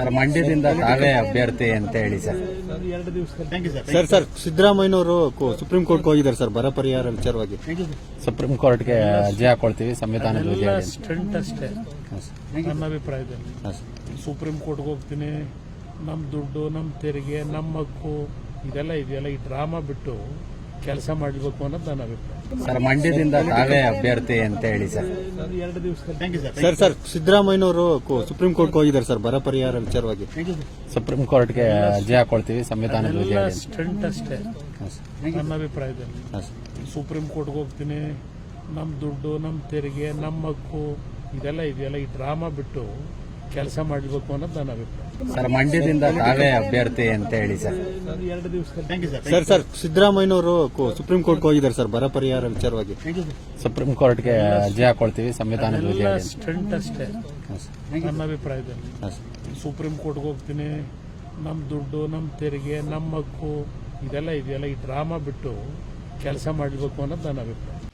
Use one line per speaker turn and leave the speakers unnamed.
Sir ಮಂಡ್ಯದಿಂದ ತಾವೇ ಅಭ್ಯರ್ಥಿ ಅಂತ ಹೇಳಿ ಸರ್.
ಸರ್ ಸಿದ್ದರಾಮಯ್ಯನವರು ಸುಪ್ರೀಂ ಕೋರ್ಟ್ಗೆ ಹೋಗಿದ್ದಾರೆ ಸರ್ ಬರ ಪರಿಹಾರ ವಿಚಾರವಾಗಿ.
ಸುಪ್ರೀಂ ಕೋರ್ಟ್ಗೆ ಅರ್ಜಿ ಹಾಕೊಳ್ತೀವಿ ಸಂವಿಧಾನದ ಬಗ್ಗೆ.
ಸ್ಟಂಟ್ ಅಷ್ಟೇ ನನ್ನ ಅಭಿಪ್ರಾಯದಲ್ಲಿ. ಸುಪ್ರೀಂ ಕೋರ್ಟ್ಗೆ ಹೋಗ್ತೀನಿ, ನಮ್ಮ ದುಡ್ಡು, ನಮ್ಮ ತೆರಿಗೆ, ನಮ್ಮ ಹಕ್ಕು ಇದೆಲ್ಲ ಇದೆಯಲ್ಲ, ಈ ಡ್ರಾಮಾ ಬಿಟ್ಟು ಕೆಲಸ ಮಾಡಬೇಕು ಅನ್ನೋದು ನನ್ನ ಅಭಿಪ್ರಾಯ.
ಸರ್ ಮಂಡ್ಯದಿಂದ ತಾವೇ ಅಭ್ಯರ್ಥಿ ಅಂತ ಹೇಳಿ ಸರ್.
ಸರ್ ಸಿದ್ದರಾಮಯ್ಯನವರು ಸುಪ್ರೀಂ ಕೋರ್ಟ್ಗೆ ಹೋಗಿದ್ದಾರೆ ಸರ್ ಬರ ಪರಿಹಾರ ವಿಚಾರವಾಗಿ.
ಸುಪ್ರೀಂ ಕೋರ್ಟ್ಗೆ ಅರ್ಜಿ ಹಾಕೊಳ್ತೀವಿ ಸಂವಿಧಾನದ ಬಗ್ಗೆ.
ಸ್ಟಂಟ್ ಅಷ್ಟೇ ನನ್ನ ಅಭಿಪ್ರಾಯದಲ್ಲಿ. ಸುಪ್ರೀಂ ಕೋರ್ಟ್ಗೆ ಹೋಗ್ತೀನಿ, ನಮ್ಮ ದುಡ್ಡು, ನಮ್ಮ ತೆರಿಗೆ, ನಮ್ಮ ಹಕ್ಕು ಇದೆಲ್ಲ ಇದೆಯಲ್ಲ, ಈ ಡ್ರಾಮಾ ಬಿಟ್ಟು ಕೆಲಸ ಮಾಡಬೇಕು ಅನ್ನೋದು ನನ್ನ ಅಭಿಪ್ರಾಯ.
ಸರ್ ಮಂಡ್ಯದಿಂದ ತಾವೇ ಅಭ್ಯರ್ಥಿ ಅಂತ ಹೇಳಿ ಸರ್.
ಸರ್ ಸಿದ್ದರಾಮಯ್ಯನವರು ಸುಪ್ರೀಂ ಕೋರ್ಟ್ಗೆ ಹೋಗಿದ್ದಾರೆ ಸರ್ ಬರ ಪರಿಹಾರ ವಿಚಾರವಾಗಿ.
ಸುಪ್ರೀಂ ಕೋರ್ಟ್ಗೆ ಅರ್ಜಿ ಹಾಕೊಳ್ತೀವಿ ಸಂವಿಧಾನದ ಬಗ್ಗೆ.
ಸ್ಟಂಟ್ ಅಷ್ಟೇ ನನ್ನ ಅಭಿಪ್ರಾಯದಲ್ಲಿ. ಸುಪ್ರೀಂ ಕೋರ್ಟ್ಗೆ ಹೋಗ್ತೀನಿ, ನಮ್ಮ ದುಡ್ಡು, ನಮ್ಮ ತೆರಿಗೆ, ನಮ್ಮ ಹಕ್ಕು ಇದೆಲ್ಲ ಇದೆಯಲ್ಲ, ಈ ಡ್ರಾಮಾ ಬಿಟ್ಟು ಕೆಲಸ ಮಾಡಬೇಕು ಅನ್ನೋದು ನನ್ನ ಅಭಿಪ್ರಾಯ.